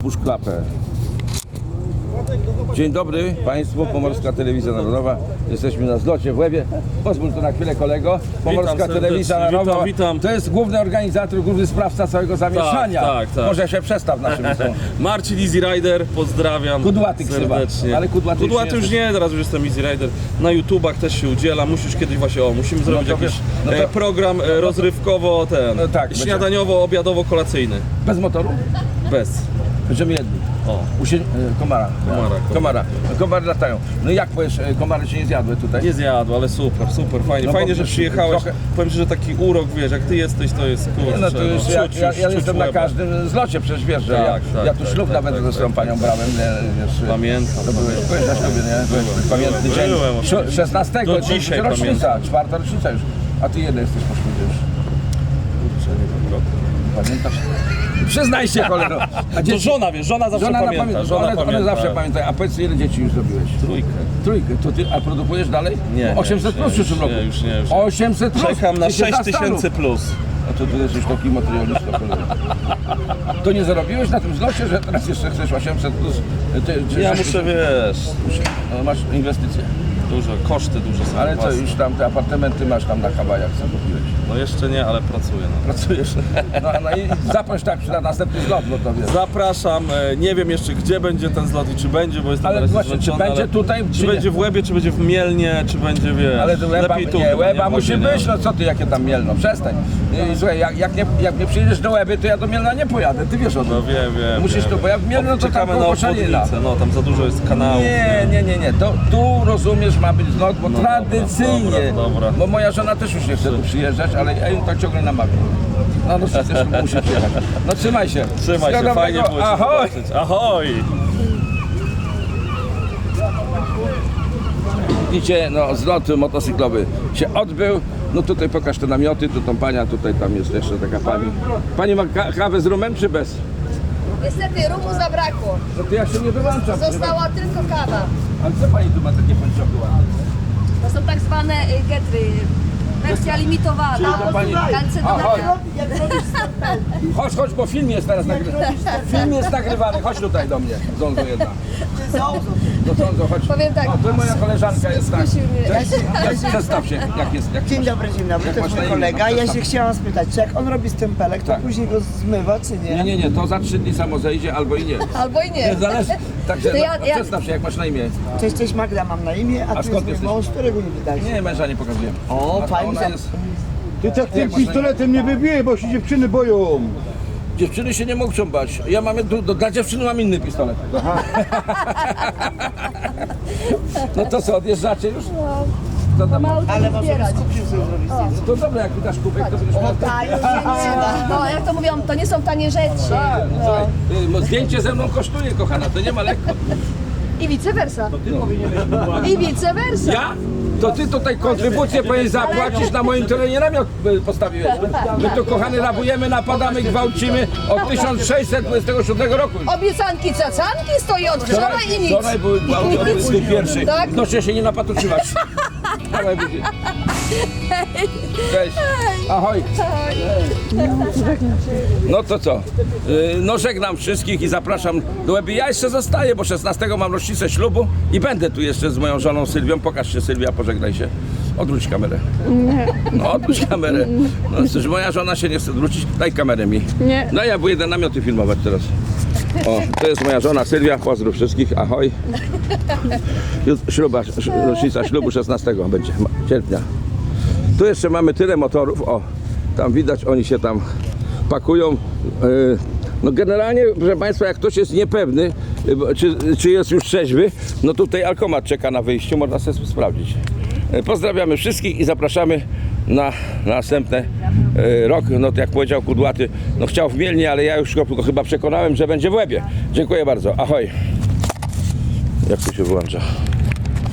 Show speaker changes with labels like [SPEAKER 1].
[SPEAKER 1] Puść klapę. Dzień dobry Państwu, Pomorska Telewizja Narodowa. Jesteśmy na zlocie w Łebie. Pozwól to na chwilę kolego. Pomorska Telewizja Narodowa
[SPEAKER 2] witam.
[SPEAKER 1] to jest główny organizator, główny sprawca całego zamieszania.
[SPEAKER 2] Tak.
[SPEAKER 1] Może się przestaw naszym widzom.
[SPEAKER 2] Marcin Easy Rider, pozdrawiam
[SPEAKER 1] Kudłaty
[SPEAKER 2] serdecznie.
[SPEAKER 1] chyba. Ale Kudłaty
[SPEAKER 2] już nie, teraz już jestem Easy Rider. Na YouTubach też się udziela, musisz kiedyś właśnie, musimy zrobić
[SPEAKER 1] to
[SPEAKER 2] jakiś
[SPEAKER 1] wiesz,
[SPEAKER 2] program rozrywkowo,
[SPEAKER 1] tak,
[SPEAKER 2] śniadaniowo, obiadowo, kolacyjny.
[SPEAKER 1] Bez motoru?
[SPEAKER 2] Bez.
[SPEAKER 1] Będziemy jedni.
[SPEAKER 2] O.
[SPEAKER 1] Komara. Komary latają. No jak powiesz, komary się nie zjadły tutaj?
[SPEAKER 2] Nie zjadł, ale super, fajnie.
[SPEAKER 1] No
[SPEAKER 2] Fajnie,
[SPEAKER 1] bo
[SPEAKER 2] że przyjechałeś.
[SPEAKER 1] trochę-
[SPEAKER 2] Powiem Ci, że taki urok, wiesz, jak Ty jesteś, to jest kurczę.
[SPEAKER 1] No to już ja jestem na
[SPEAKER 2] łeba.
[SPEAKER 1] każdym zlocie, przecież wiesz, że ja tu ślub nawet ze swoją panią brałem, nie, wiesz.
[SPEAKER 2] Pamiętam.
[SPEAKER 1] To byłeś na ślubie, nie? Byłeś pamiętny dzień.
[SPEAKER 2] Byłem oczywiście.
[SPEAKER 1] 16,
[SPEAKER 2] Do
[SPEAKER 1] to
[SPEAKER 2] dzisiaj
[SPEAKER 1] rocznica,
[SPEAKER 2] pamiętam.
[SPEAKER 1] 4. rocznica już. A ty jeden jesteś po ślubie już.
[SPEAKER 2] Kurczę, nie wiem, rok.
[SPEAKER 1] Pamiętasz? Przyznaj się, cholero. A
[SPEAKER 2] To żona, wiesz, żona zawsze pamięta.
[SPEAKER 1] One zawsze pamiętają. A powiedz, ile dzieci już zrobiłeś? Trójkę. To ty, a produkujesz dalej?
[SPEAKER 2] Nie,
[SPEAKER 1] 800 plus w przyszłym roku.
[SPEAKER 2] Już nie.
[SPEAKER 1] 800 plus.
[SPEAKER 2] Czekam na
[SPEAKER 1] Ty się
[SPEAKER 2] 6000 plus.
[SPEAKER 1] A to ty jesteś taki materialista, cholera. To nie zarobiłeś na tym zlocie, że teraz jeszcze chcesz 800 plus?
[SPEAKER 2] Ja muszę, wiesz,
[SPEAKER 1] Masz inwestycje.
[SPEAKER 2] koszty duże są.
[SPEAKER 1] Ale co,
[SPEAKER 2] własne.
[SPEAKER 1] już tam te apartamenty masz tam na Hawajach, co kupiłeś?
[SPEAKER 2] No jeszcze nie, ale pracuję. No.
[SPEAKER 1] Pracujesz. No i zaproś tak na następny zlot, no to wiesz.
[SPEAKER 2] Zapraszam, nie wiem jeszcze gdzie będzie ten zlot i czy będzie, bo jestem
[SPEAKER 1] Ale
[SPEAKER 2] na razie
[SPEAKER 1] właśnie, czy
[SPEAKER 2] zmęczony,
[SPEAKER 1] będzie
[SPEAKER 2] ale
[SPEAKER 1] tutaj,
[SPEAKER 2] czy
[SPEAKER 1] czy nie?
[SPEAKER 2] będzie w Łebie, czy będzie w Mielnie, czy będzie, wiesz,
[SPEAKER 1] Ale to Łeba,
[SPEAKER 2] lepiej tu
[SPEAKER 1] nie,
[SPEAKER 2] chyba,
[SPEAKER 1] Łeba
[SPEAKER 2] w
[SPEAKER 1] musi
[SPEAKER 2] Łebie,
[SPEAKER 1] być, no co ty, jakie tam Mielno, przestań. I słuchaj, jak nie przyjedziesz do Łeby, to ja do Mielna nie pojadę, ty wiesz o tym.
[SPEAKER 2] No wiem.
[SPEAKER 1] Musisz to, bo jak w Mielno, to tam
[SPEAKER 2] Czekamy na
[SPEAKER 1] koło Szalina.
[SPEAKER 2] obwodnicę, no tam za dużo jest kanałów.
[SPEAKER 1] Nie, to tu rozumiesz, ma być zlot, bo tradycyjnie,
[SPEAKER 2] dobra.
[SPEAKER 1] bo moja żona też już nie chce tu przyjeżdżać, ale ja ją tak ciągle namawiam. No przecież musi przyjechać. No trzymaj się.
[SPEAKER 2] Trzymaj się, fajnie było cię
[SPEAKER 1] Ahoj!
[SPEAKER 2] zobaczyć. Ahoj!
[SPEAKER 1] Widzicie, no zlot motocyklowy się odbył. No tutaj pokaż te namioty, tu tą pania, tutaj tam jest jeszcze taka pani. Pani ma kawę z rumem czy bez?
[SPEAKER 3] Niestety rumu zabrakło.
[SPEAKER 1] No to ja się nie wyłączam.
[SPEAKER 3] Została tylko kawa.
[SPEAKER 1] Ale co pani tu ma takie pończoki ładne?
[SPEAKER 3] To są tak zwane getry. Wersja limitowana.
[SPEAKER 1] to pani-
[SPEAKER 3] Kalcedonia.
[SPEAKER 1] Chodź, bo film jest teraz nagrywany. Film jest nagrywany, chodź tutaj do mnie. Zonzo jedna. No Zonzo, chodź.
[SPEAKER 3] Powiem tak.
[SPEAKER 1] O, to moja koleżanka jest tak.
[SPEAKER 3] Skusił mnie.
[SPEAKER 1] Cześć, przedstaw się, jak jest. Jak
[SPEAKER 4] Dzień
[SPEAKER 1] masz-
[SPEAKER 4] dobry,
[SPEAKER 1] jak
[SPEAKER 4] to
[SPEAKER 1] masz
[SPEAKER 4] jest
[SPEAKER 1] na
[SPEAKER 4] mój
[SPEAKER 1] imię?
[SPEAKER 4] kolega.
[SPEAKER 1] No,
[SPEAKER 4] Ja
[SPEAKER 1] przedstaw.
[SPEAKER 4] się chciałam spytać, czy jak on robi stempelek, to
[SPEAKER 1] Tak.
[SPEAKER 4] później go zmywa, czy nie?
[SPEAKER 1] Nie, to za 3 dni samo zejdzie albo i nie.
[SPEAKER 3] Albo i nie.
[SPEAKER 1] Zależy. Także
[SPEAKER 3] To ja-
[SPEAKER 1] przedstaw się, jak masz na imię.
[SPEAKER 4] Cześć Magda, mam na imię, a
[SPEAKER 1] A
[SPEAKER 4] ty
[SPEAKER 1] skąd
[SPEAKER 4] jest mój
[SPEAKER 1] jesteś?
[SPEAKER 4] mąż, którego nie widać.
[SPEAKER 1] Nie, męża nie pokazujemy.
[SPEAKER 4] O,
[SPEAKER 1] A
[SPEAKER 4] fajnie.
[SPEAKER 1] ona jest...
[SPEAKER 5] Ty tak tym pistoletem nie wybije, bo się dziewczyny boją.
[SPEAKER 1] Dziewczyny się nie mogą bać. Ja mam, dla dziewczyny mam inny pistolet. No to co, odjeżdżacie już? To tam,
[SPEAKER 3] Mało
[SPEAKER 4] Ale
[SPEAKER 3] to
[SPEAKER 4] może
[SPEAKER 3] zbierać.
[SPEAKER 4] skupił sobie zrobić zdjęcie.
[SPEAKER 1] to dobra, jak wydasz kubek, to będziesz miał...
[SPEAKER 3] No jak to mówią, to nie są tanie rzeczy.
[SPEAKER 1] Tak, no, słuchaj, zdjęcie ze mną kosztuje, kochana, to nie ma lekko.
[SPEAKER 3] I vice versa. I vice versa.
[SPEAKER 1] Ja? To ty tutaj kontrybucję powinieneś zapłacić, na moim terenie namiot postawiłeś. My tu, kochany, rabujemy, napadamy, gwałcimy od 1627 roku.
[SPEAKER 3] Obiecanki, cacanki stoi od wczoraj i nic.
[SPEAKER 1] Wczoraj były gwałty od 21.
[SPEAKER 3] Tak?
[SPEAKER 1] W nocy się nie napatoczyłaś. Dawaj, budzi. Cześć. Ahoj. No to co? No żegnam wszystkich i zapraszam do Łeby. Ja jeszcze zostaję, bo 16 mam rocznicę ślubu i będę tu jeszcze z moją żoną Sylwią. Pokaż się, Sylwia, pożegnaj się. Odwróć kamerę. No odwróć kamerę. No przecież moja żona się nie chce odwrócić. Daj kamerę mi.
[SPEAKER 6] Nie.
[SPEAKER 1] No ja będę namioty filmować teraz. O, to jest moja żona Sylwia. Pozdrów wszystkich. Ahoj. Rocznica ślubu 16 będzie sierpnia. Tu jeszcze mamy tyle motorów, o, tam widać, oni się tam pakują. No generalnie, proszę Państwa, jak ktoś jest niepewny, czy jest już trzeźwy, no tutaj alkomat czeka na wyjściu, można sobie sprawdzić. Pozdrawiamy wszystkich i zapraszamy na następny rok. No to jak powiedział Kudłaty, no chciał w Mielnie, ale ja już go chyba przekonałem, że będzie w Łebie. Dziękuję bardzo, ahoj. Jak tu się wyłącza?